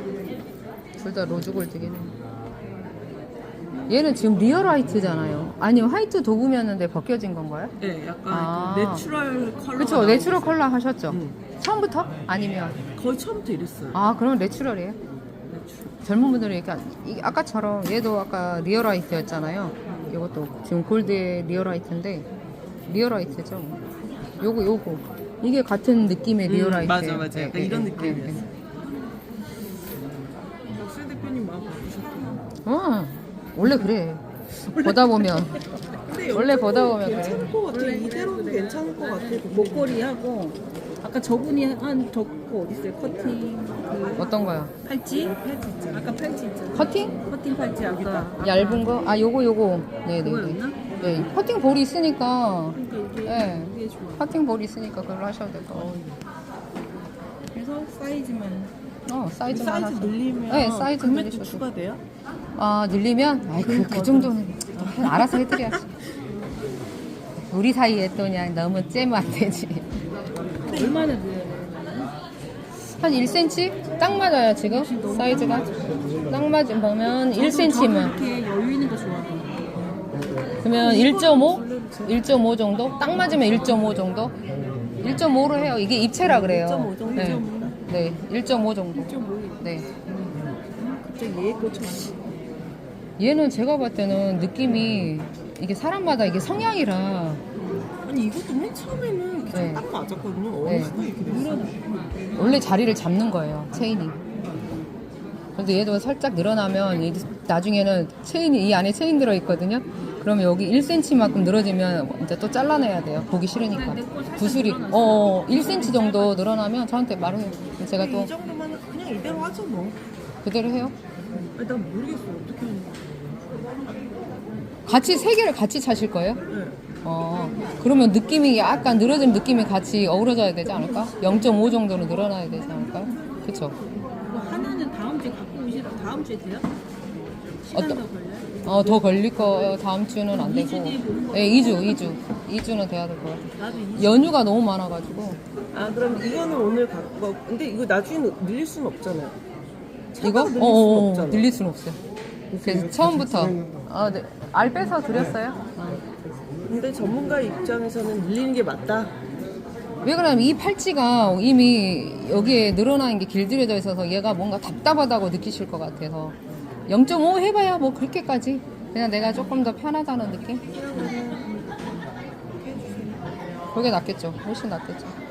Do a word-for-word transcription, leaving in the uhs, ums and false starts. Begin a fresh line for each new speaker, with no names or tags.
둘 다 로즈 골드긴 해. 얘는 지금 리얼 화이트잖아요. 아니요, 화이트 도금이었는데 벗겨진 건가요?
네, 약간
아.
그 내추럴 컬러.
그쵸, 내추럴 컬러 하셨죠?
응.
처음부터? 아니면?
거의 처음부터 이랬어요.
아, 그럼 내추럴이에요?
내추럴.
젊은 분들이 이렇게 이- 아까처럼 얘도 아까 리얼 화이트였잖아요. 이것도 지금 골드의 리얼 화이트인데 리얼 화이트죠. 요거 요거 이게 같은 느낌의 리얼
음,
화이트.
맞아, 맞아. 약간 이런 느낌이었어. 박수 대표님 마음 바꾸셨구나.
어, 원래 그래. 보다 보면
근데
원래 보다 보면
괜찮을
그래.
것 같아. 이대로도 괜찮을 것 같아.
목걸이하고 아까 저분이 한 저거 어디 있어요? 커팅 그
어떤 거요?
팔찌? 팔찌 있잖아. 아까 팔찌 있잖아.
커팅?
커팅 팔찌 아까
얇은 거? 아, 요거 요거. 네네네.
그거였나?
네, 커팅 볼이 있으니까.
그러니까 이게
네,
이게 좋아.
커팅 볼이 있으니까 그걸로 하셔도 될 것 같아요.
그래서 사이즈만
어, 사이즈만
사이즈
하셔도.
늘리면
네, 사이즈
금액도
늘리셔도.
추가돼요?
아, 늘리면? 아이, 그, 그 정도는 알아서 해드려야지. 우리 사이에 또 그냥 너무 째면 안 되지.
얼마나 늘려야 되는
한 일 센티미터? 딱 맞아요, 지금? 사이즈가? 딱 맞으면 일 센티미터면.
이렇게 여유 있는 거 좋아해.
그러면 일 점 오? 일 점 오 정도? 딱 맞으면 일 점 오 정도? 일 점 오로 해요. 이게 입체라 그래요.
일 점 오 정도?
네, 네, 일 점 오 정도.
좀
네.
갑자기 얘에 꽂혔어.
얘는 제가 봤을 때는 느낌이 이게 사람마다 이게 성향이라
아니 이것도 맨 처음에는 이렇게
네.
딱 맞았거든요.
네.
어느 순간 이렇게 됐어.
원래 자리를 잡는 거예요, 체인이. 그래서 얘도 살짝 늘어나면 이- 나중에는 체인이 이 안에 체인 들어 있거든요. 그러면 여기 일 센티미터만큼 늘어지면 이제 또 잘라내야 돼요. 보기 싫으니까. 구슬이 어 일 센티미터 정도 늘어나면 저한테 말해요. 제가 또
이 정도면 그냥 이대로 하죠 뭐.
그대로 해요.
아니 난 모르겠어 어떻게 하는 거야.
같이 세 개를 같이 차실 거예요?
네.
어 그러면 느낌이 약간 늘어진 느낌이 같이 어우러져야 되지 않을까? 영 점 오 정도로 늘어나야 되지 않을까요? 그쵸?
그거 하나는 다음 주에 갖고 오시라. 다음 주에 돼요? 시간
어떤-
더 걸려요?
어, 더 걸릴 거 다음 주는 안 되고. 네, 이 주, 이 주. 이 주는 돼야 될 것 같아요.
나도 이
연휴가 너무 많아가지고.
아 그럼 이거는 오늘 갖고 가. 근데 이거 나중에 늘릴 수는 없잖아요.
이거?
늘릴 수는
어어,
없잖아.
늘릴 수는 없어요. 그래서 처음부터. 아, 네. 알 빼서 드렸어요? 어.
근데 전문가 입장에서는 늘리는 게 맞다.
왜 그러냐면 이 팔찌가 이미 여기에 늘어나는 게 길들여져 있어서 얘가 뭔가 답답하다고 느끼실 것 같아서. 영 점 오 해봐야 뭐 그렇게까지. 그냥 내가 조금 더 편하다는 느낌? 그게 낫겠죠. 훨씬 낫겠죠.